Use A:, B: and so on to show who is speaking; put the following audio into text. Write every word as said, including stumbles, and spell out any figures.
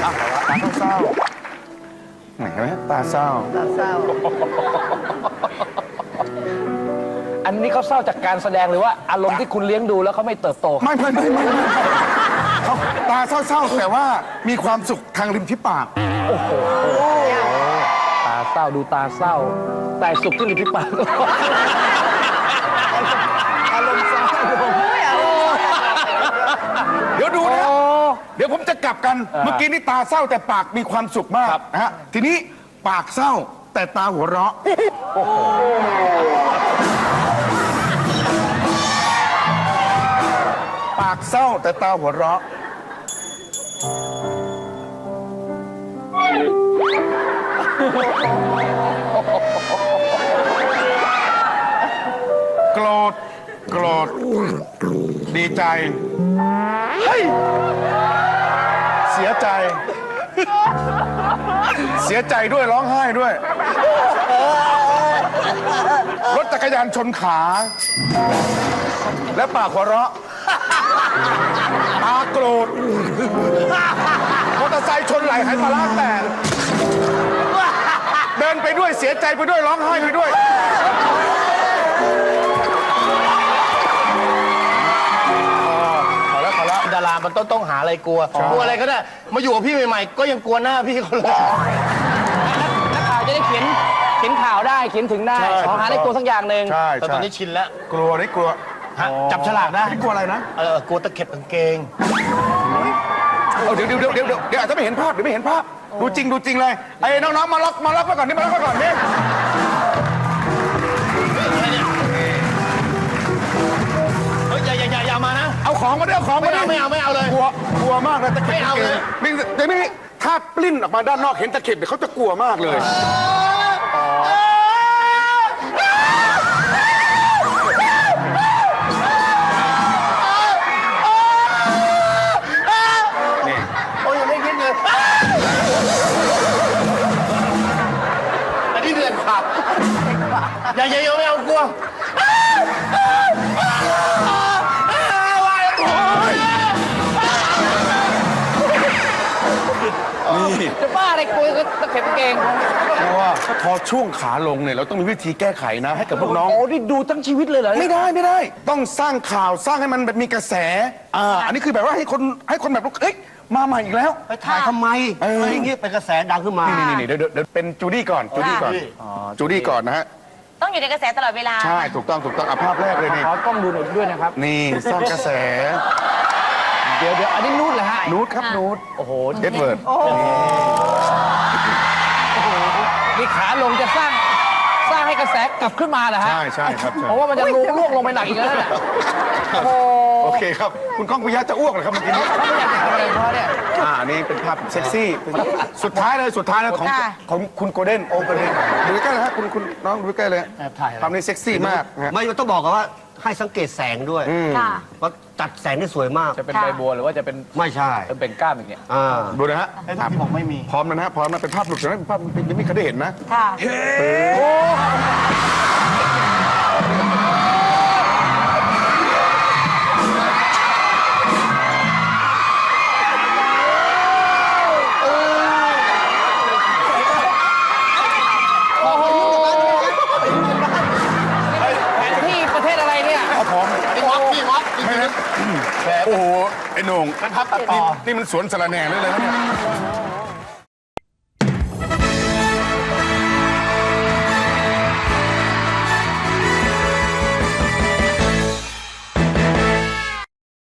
A: ตาเศร้าๆเห็นไหมตาเศร้า
B: ตาเศร้า
C: อันนี้เขาเศร้าจากการแสดงหรือว่าอารมณ์ที่คุณเลี้ยงดูแล้วเขาไม่เติบโต
A: ไม่ไม่ไม่ไม่เขาตาเศร้าๆแต่ว่ามีความสุขทางริมที่ปาก
C: โอ้โหตาเศร้าดูตาเศร้า แต่สุขที่ริมฝีปาก
A: อารมณ์เศร้าเดี๋ยวดูนะเดี๋ยวผมจะกลับกันเมื่อกี้นี่ตาเศร้าแต่ปากมีความสุขมากนะฮะทีนี้ปากเศร้าแต่ตาหัวเราะปากเศร้าแต่ตาหัวเราะโกรธโกรธดีใจเฮ้ยเสียใจ เสียใจด้วยร้องไห้ด้วย รถจักรยานชนขา และปากหัวเราะตาโกรธมอเตอร์ไซค์ชนไหล่ไหปลาร้าแตกเดินไปด้วยเสียใจไปด้วยร้องไห้ไปด้วย
B: ดารามันต้องต้องหาอะไรกลัวกลัวอะไรก็ได้มาอยู่กับพี่ใหม่ๆก็ยังกลัวหน้าพี่เขาเลย
C: นักข่าวจะได้เขียนเขียนข่าวได้เขียนถึงได้ขอหาอะไรกลัวสักอย่างหนึ่ง
A: ใช่
B: แต่ตอนนี้ชินแล้ว
A: กลัวนี่กลัว
B: จับฉลากได้
A: กลัวอะไรนะ
B: เออกลัวตะเข็บกางเกง
A: เดี๋ยวเดี๋ยวเดี๋ยวเดี๋ยวเดี๋ยวอาจจะไม่เห็นภาพเดี๋ยวไม่เห็นภาพดูจริงดูจริงเลยไอ้น้องๆมาล็อกมาล็อกมาก่อนนี่มาล็อกมาก่อนนี่
B: เฮ้ยอย่าอย่าอย่าอย่ามานะ
A: เอาของมาด้วยเอาของมาด้วย
B: ไม่เอาไม่เอาเลย
A: กลัวกลัวมากเลยตะเข็บ
B: ไม่เอาเลย
A: เดี๋ยวนี้ถ้าปลิ้นออกมาด้านนอกเห็นตะเข็บเดี๋ยวเขาจะกลัวมากเลยนี่
B: โอ้ยยังไม่คิดเลยอันนี้เดือนขาดอย่าอย่าอย่าไม่เอากลัว
A: นี่
C: จะบ้าอะไรกลัวตะเข็บเกง
A: เพราะว่าพอช่วงขาลงเนี่ยเราต้องมีวิธีแก้ไขนะให้กับพวกน้อง
C: โอ้นี่ดูทั้งชีวิตเลยเหรอ
A: ไม่ได้ไม่ได้ต้องสร้างข่าวสร้างให้มันแบบมีกระแสอ่าอันนี้คือแบบว่าให้คนให้คนแบบเอ้ยมาใหม่อีกแล้ว
B: ไปถ่ายทำไมอะไรอย่างเงี้ยเป็นกระแสดังขึ้นมา
A: นี่นี่เดี๋ยวเดี๋ยวเป็นจูดี้ก่อนจูดี้ก่อนจูดี้ก่อนนะฮะ
D: ต้องอยู่ในกระแสตลอดเวลา
A: ใช่ถูกต้องถูกต้องอ่ะภาพแรกเลยนี่
C: ขอกล้องดูหน่อยด้วยนะครับ
A: นี่สร้างกระแส
C: เดี๋ยวเดี๋ยวอันนี้นูดเหรอฮะ
A: นูดครับนูด
C: โอ้โห
A: เอ็ดเวิร์ด
C: นี่ขาลงจะสร้างสร้างให้กระแสกลับขึ้นมาเหรอฮะ
A: ใช่ใช่ครับ
C: เพราะว่ามันจะล่วงลงไปหนักอีกแล้วเนี่ยโอ้
A: โอเคครับคุณก้องปิยะจะอ้วกเหรอครับเมื่อกี้นี้
C: เขาไม่อยากจะทำอะไรเพราะเนี่ย
A: อ่านี่เป็นภาพเซ็กซี่สุดท้ายเลยสุดท้ายเลยของของคุณโกลเด้นโอ้โกลเด้นดูใกล้เลยฮะคุณคุณน้องดูใกล้เลย
B: แอบถ่าย
A: ภาพนี้เซ็กซี่มาก
B: ไม่ต้องบอกกันว่าให้สังเกตแสงด้วยว่าจัดแสงได้สวยมาก
C: จะเป็นใบบัวหรือว่าจะเป็น
B: ไม่ใช่
C: เป็นก้ามอย่างเงี้ย
A: ดูนะฮะ
B: ที่บอกไม่มี
A: พร้อมนะฮะพร้อมนะเป็นภาพหลุดนะเป็นภาพยังไม่เคยได้เห็นนะ
D: ค่ะ
C: ที่ประเทศอะไรเนี่ย
A: เอาพร้อม
B: พี่วัดพี่วัด
A: ไม่นะโอ้โหไอ้โหน่งนี่มันสวนสระแหน่เลยเลยนะเนี่ย